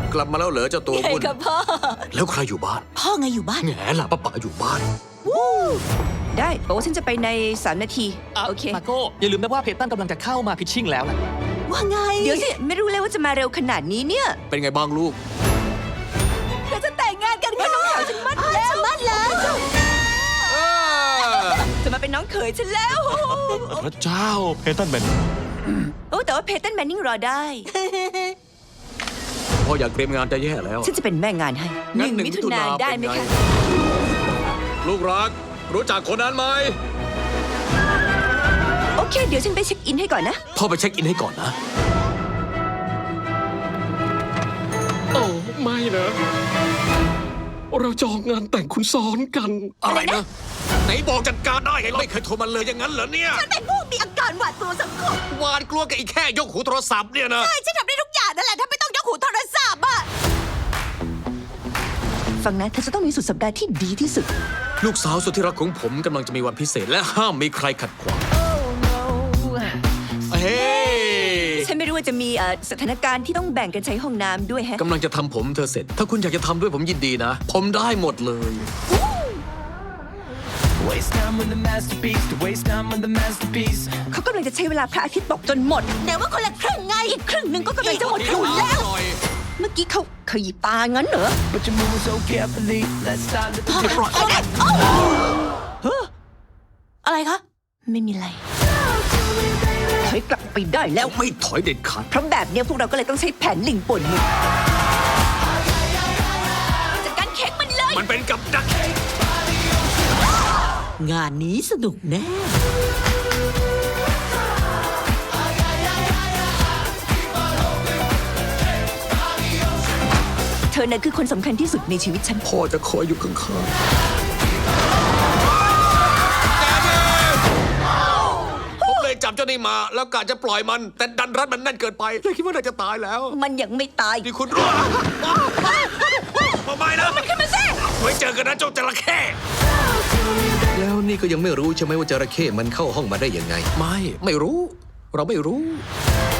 กลับมาแล้วเหรอเจ้าตัวใช่วุ่นกับพ่อแล้วใครอยู่บ้านพ่อไงอยู่บ้านแง่ล่ะป้าป๋าอยู่บ้านได้บอกว่าฉันจะไปใน3 นาที โอเคมาโก้อย่าลืมนะว่าเพตันกำลังจะเข้ามาพิชชิ่งแล้วนะว่าไง เดี๋ยวสิ ไม่รู้เลยว่าจะมาเร็วขนาดนี้เนี่ยเป็นไงบ้างลูกเราจะแต่งงานกันค่ะน้องสาวฉันมั่นแล้วมั่นแล้ว จะมาเป็นน้องเขยฉันแล้วพระเจ้าเพตันแมนโอ้แต่ว่าเพตันแมนนิงรอได้พ่ออยากเตรียมงานจะแย่แล้วฉันจะเป็นแม่งานให้งั้น 1 มิถุนายนได้ไหมเป็นคะงลูกรัก รู้จักคนนั้นไหมโอเค เดี๋ยวฉันไปเช็คอินให้ก่อนนะพ่อไปเช็คอินให้ก่อนนะโอ้ไม่นะ เราจองงานแต่งคุณซ้อนกันอะไรนะ ไหนบอกจัดการได้ไงไม่เคยโทรมาเลยอย่างนั้นเหรอเนี่ยเป็นผู้มีอาการหวาดกลัวสังคมหวานกลัวกับอีกแค่ยกหูโทรศัพท์เนี่ยนะใช่ฉันทำได้ทุกอย่างนั่นแหละถ้าไม่ต้องยกหูโทรศัพท์อะฟังนะเธอจะต้องมีสุดสัปดาห์ที่ดีที่สุดลูกสาวสุดที่รักของผมกำลังจะมีวันพิเศษและห้ามมีใครขัดขวางเฮ้ฉันไม่รู้ว่าจะมีสถานการณ์ที่ต้องแบ่งกันใช้ห้องน้ำด้วยแฮะกำลังจะทำผมเธอเสร็จ ถ้าคุณอยากจะทำด้วยผมยินดีนะ ผมได้หมดเลย Waste time with the masterpiece, to waste time with the masterpiece. เขากำลังจะใช้เวลาพระอาทิตย์ตกจนหมดแต่ว่าคนละครึ่งไงอีกครึ่งหนึ่งก็กำลังจะหมดอยู่แล้ว เมื่อกี้เขาขยี้ตางั้นเหรอ But you're moving so carefully. Let's start the อะไรคะ ไม่มีอะไรถอยกลับไปได้แล้วไม่ถอยเด็ดขาดเพราะแบบเนี้ยพวกเราก็เลยต้องใช้แผนลิงป่วนมึงจัดการเค้กมันเลยมันเป็นกับดักงานนี้สนุกแน่เธอน่ะคือคนสำคัญที่สุดในชีวิตฉันพ่อจะคอยอยู่ข้างๆผมเลยจับเจ้านี่มา แล้วกะจะปล่อยมัน แต่ดันรัดมันแน่นเกินไปเลยคิดว่าน่าจะตายแล้วมันยังไม่ตายนี่คุณรู้ทำไมนะมันขึ้นมาสิไว้เจอกันนะเจ้าจระเข้แล้วนี่ก็ยังไม่รู้ใช่ไหมว่าจระเข้มันเข้าห้องมาได้ยังไงไม่รู้ เราไม่รู้ Let's